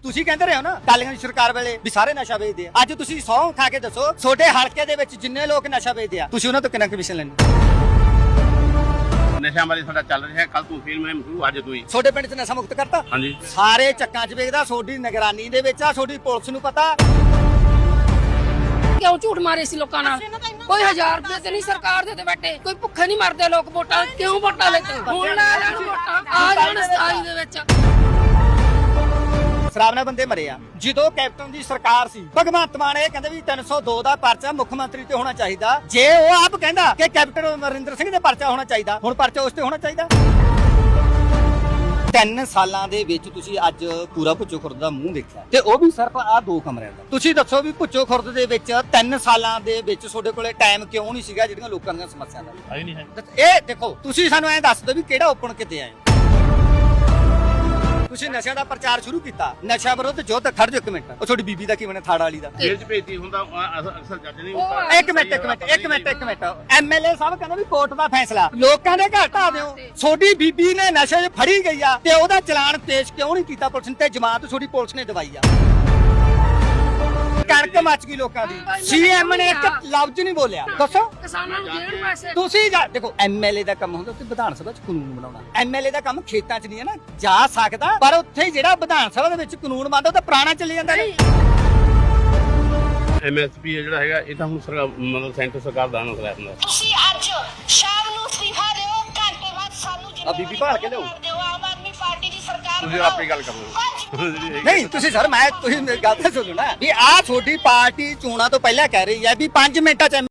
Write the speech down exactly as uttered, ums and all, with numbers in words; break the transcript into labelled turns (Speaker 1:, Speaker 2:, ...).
Speaker 1: ਤੁਸੀਂ ਕਹਿੰਦੇ ਰਹੇ ਹੋ ਨਾ ਕਾਲੀਆਂ ਦੀ ਸਰਕਾਰ ਵੇਲੇ ਵੀ ਸਾਰੇ ਨਸ਼ਾ ਵੇਚਦੇ ਆ। ਅੱਜ ਤੁਸੀਂ ਸਹੁੰ ਖਾ ਕੇ ਦੱਸੋ ਤੁਹਾਡੇ ਹਲਕੇ ਦੇ ਵਿੱਚ ਜਿੰਨੇ ਲੋਕ ਨਸ਼ਾ ਵੇਚਦੇ ਆ ਤੁਸੀਂ ਉਹਨਾਂ ਤੋਂ ਕਿੰਨਾ ਕਮਿਸ਼ਨ ਲੈਂਦੇ?
Speaker 2: ਨਸ਼ਾ ਵਾਲੀ ਸਾਡਾ ਚੱਲ ਰਿਹਾ ਕੱਲ ਤੋਂ ਫਿਰ ਮੈਂ ਸ਼ੁਰੂ ਅੱਜ ਤੋਂ ਹੀ
Speaker 1: ਤੁਹਾਡੇ ਪਿੰਡ 'ਚ ਨਸ਼ਾ ਮੁਕਤ ਕਰਤਾ
Speaker 2: ਹਾਂਜੀ
Speaker 1: ਸਾਰੇ ਚੱਕਾਂ 'ਚ ਵੇਚਦਾ ਤੁਹਾਡੀ ਨਿਗਰਾਨੀ ਦੇ ਵਿੱਚ ਆ ਤੁਹਾਡੀ ਪੁਲਿਸ ਨੂੰ ਪਤਾ।
Speaker 3: ਕਿਉਂ ਝੂਠ ਮਾਰੇ ਸੀ ਲੋਕਾਂ ਨਾਲ? ਕੋਈ ਹਜ਼ਾਰ ਰੁਪਏ ਤੇ ਨਹੀਂ ਸਰਕਾਰ ਦੇ ਤੇ ਬੈਠੇ, ਕੋਈ ਭੁੱਖੇ ਨਹੀਂ ਮਰਦੇ ਲੋਕ ਵੋਟਾਂ ਕਿਉਂ ਵੋਟਾਂ ਲੈਂਦੇ? ਹੁਣ ਲੈ ਲੈਣ ਵੋਟਾਂ ਆ ਜਾਣ ਸਤਾਈ ਦੇ ਵਿੱਚ।
Speaker 1: ਸ਼ਰਾਬ ਨਾਲ ਬੰਦੇ ਮਰੇ ਆ। ਜਦੋਂ ਕੈਪਟਨ ਦੀ ਸਰਕਾਰ ਸੀ ਭਗਵੰਤ ਮਾਨ ਇਹ ਕਹਿੰਦੇ ਵੀ ਤਿੰਨ ਸੌ ਦੋ ਦਾ ਪਰਚਾ ਮੁੱਖ ਮੰਤਰੀ ਤੇ ਹੋਣਾ ਚਾਹੀਦਾ। ਜੇ ਉਹ ਆਪ ਕਹਿੰਦਾ ਕਿ ਕੈਪਟਨ ਅਮਰਿੰਦਰ ਸਿੰਘ ਦੇ ਪਰਚਾ ਹੋਣਾ ਚਾਹੀਦਾ, ਹੁਣ ਪਰਚਾ ਉਸ ਤੇ ਹੋਣਾ ਚਾਹੀਦਾ। ਤਿੰਨ ਸਾਲਾਂ ਦੇ ਵਿੱਚ ਤੁਸੀਂ ਅੱਜ ਪੂਰਾ ਭੁੱਚੋ ਖੁਰਦ ਦਾ ਮੂੰਹ ਦੇਖਿਆ ਤੇ ਉਹ ਵੀ ਸਿਰਫ ਆ ਦੋ ਕਮਰਿਆਂ ਦਾ। ਤੁਸੀਂ ਦੱਸੋ ਵੀ ਭੁੱਚੋ ਖੁਰਦ ਦੇ ਵਿੱਚ ਤਿੰਨ ਸਾਲਾਂ ਦੇ ਵਿੱਚ ਤੁਹਾਡੇ ਕੋਲੇ ਟਾਈਮ ਕਿਉਂ ਨਹੀਂ ਸੀਗਾ ਜਿਹੜੀਆਂ ਲੋਕਾਂ ਦੀਆਂ ਸਮੱਸਿਆ ਦਾ?
Speaker 2: ਆਈ ਨਹੀਂ ਹੈ।
Speaker 1: ਇਹ ਦੇਖੋ ਤੁਸੀਂ ਸਾਨੂੰ ਐਂ ਦੱਸ ਦਿਓ ਵੀ ਕਿਹੜਾ ਓਪਨ ਕਿਤੇ ਆਏ? ਤੁਸੀਂ ਨਸ਼ਿਆਂ ਦਾ ਪ੍ਰਚਾਰ ਸ਼ੁਰੂ ਕੀਤਾ, ਨਸ਼ਾ ਵਿਰੋਧ ਯੁੱਧ। ਖੜ ਜਾਓ ਇੱਕ ਮਿੰਟ, ਉਹ ਤੁਹਾਡੀ ਬੀਬੀ ਦਾ ਕੀ ਬਣਿਆ? ਥਾੜ ਵਾਲੀ ਦਾ
Speaker 2: ਜੇਲ੍ਹ ਚ ਭੇਜਦੀ ਹੁੰਦਾ ਅਕਸਰ ਜੱਜ ਨਹੀਂ ਹੁੰਦਾ।
Speaker 1: ਇੱਕ ਮਿੰਟ ਇੱਕ ਮਿੰਟ ਇੱਕ ਮਿੰਟ ਇੱਕ ਮਿੰਟ ਐਮਐਲਏ ਸਾਹਿਬ ਕਹਿੰਦੇ ਵੀ ਕੋਰਟ ਦਾ ਫੈਸਲਾ ਲੋਕਾਂ ਦੇ ਘਰ ਢਾ ਦਿਓ। ਤੁਹਾਡੀ ਬੀਬੀ ਨੇ ਨਸ਼ੇ 'ਚ ਫੜੀ ਗਈ ਆ ਤੇ ਉਹਦਾ ਚਲਾਨ ਪੇਸ਼ ਕਿਉਂ ਨਹੀਂ ਕੀਤਾ ਪੁਲਿਸ ਨੇ ਤੇ ਜ਼ਮਾਨਤ ਤੁਹਾਡੀ ਪੁਲਿਸ ਨੇ ਦਵਾਈ ਆ? ਕਣਕ ਮੱਚ ਗਈ ਲੋਕਾਂ ਦੀ, ਸੀਐਮ ਨੇ ਇੱਕ ਲਫ਼ਜ਼ ਨਹੀਂ ਬੋਲਿਆ। ਦੱਸੋ
Speaker 3: ਕਿਸਾਨਾਂ ਨੂੰ ਦੇਣ ਪੈਸੇ।
Speaker 1: ਤੁਸੀਂ ਜਾ ਦੇਖੋ ਐਮਐਲਏ ਦਾ ਕੰਮ ਹੁੰਦਾ ਕਿ ਵਿਧਾਨ ਸਭਾ 'ਚ ਕਾਨੂੰਨ ਬਣਾਉਣਾ। ਐਮਐਲਏ ਦਾ ਕੰਮ ਖੇਤਾਂ 'ਚ ਨਹੀਂ ਹੈ ਨਾ, ਜਾ ਸਕਦਾ ਪਰ ਉੱਥੇ ਜਿਹੜਾ ਵਿਧਾਨ ਸਭਾ ਦੇ ਵਿੱਚ ਕਾਨੂੰਨ ਬਣਦਾ ਉਹ ਤਾਂ ਪੁਰਾਣਾ ਚੱਲੀ ਜਾਂਦਾ ਨੇ।
Speaker 2: ਐਮਐਸਪੀ ਜਿਹੜਾ ਹੈਗਾ ਇਹ ਤਾਂ ਹੁਣ ਸਰਕਾਰ ਮਤਲਬ ਸੈਂਟਰ ਸਰਕਾਰ ਦਾ ਨਾ ਕਰਾਇਆ ਹੁੰਦਾ।
Speaker 4: ਤੁਸੀਂ ਅੱਜ ਸ਼ਾਮ ਨੂੰ ਅਸਤੀਫਾ ਦਿਓ, ਘੰਟੇ ਬਾਅਦ ਸਾਨੂੰ
Speaker 1: ਆ ਬੀਬੀ ਭਾਲ ਕੇ ਲਿਆਓ।
Speaker 4: ਆਮ ਆਦਮੀ ਪਾਰਟੀ ਦੀ ਸਰਕਾਰ
Speaker 2: ਤੁਸੀਂ ਆਪੇ ਗੱਲ ਕਰੋ।
Speaker 1: ਨਹੀਂ ਤੁਸੀਂ ਸਰ ਮੈਂ ਤੁਸੀਂ ਮੇਰੀ ਗੱਲ ਤਾਂ ਸੁਣੋ ਨਾ ਵੀ ਆਹ ਤੁਹਾਡੀ ਪਾਰਟੀ ਚੋਣਾਂ ਤੋਂ ਪਹਿਲਾਂ ਕਹਿ ਰਹੀ ਹੈ ਵੀ ਪੰਜ ਮਿੰਟਾਂ 'ਚ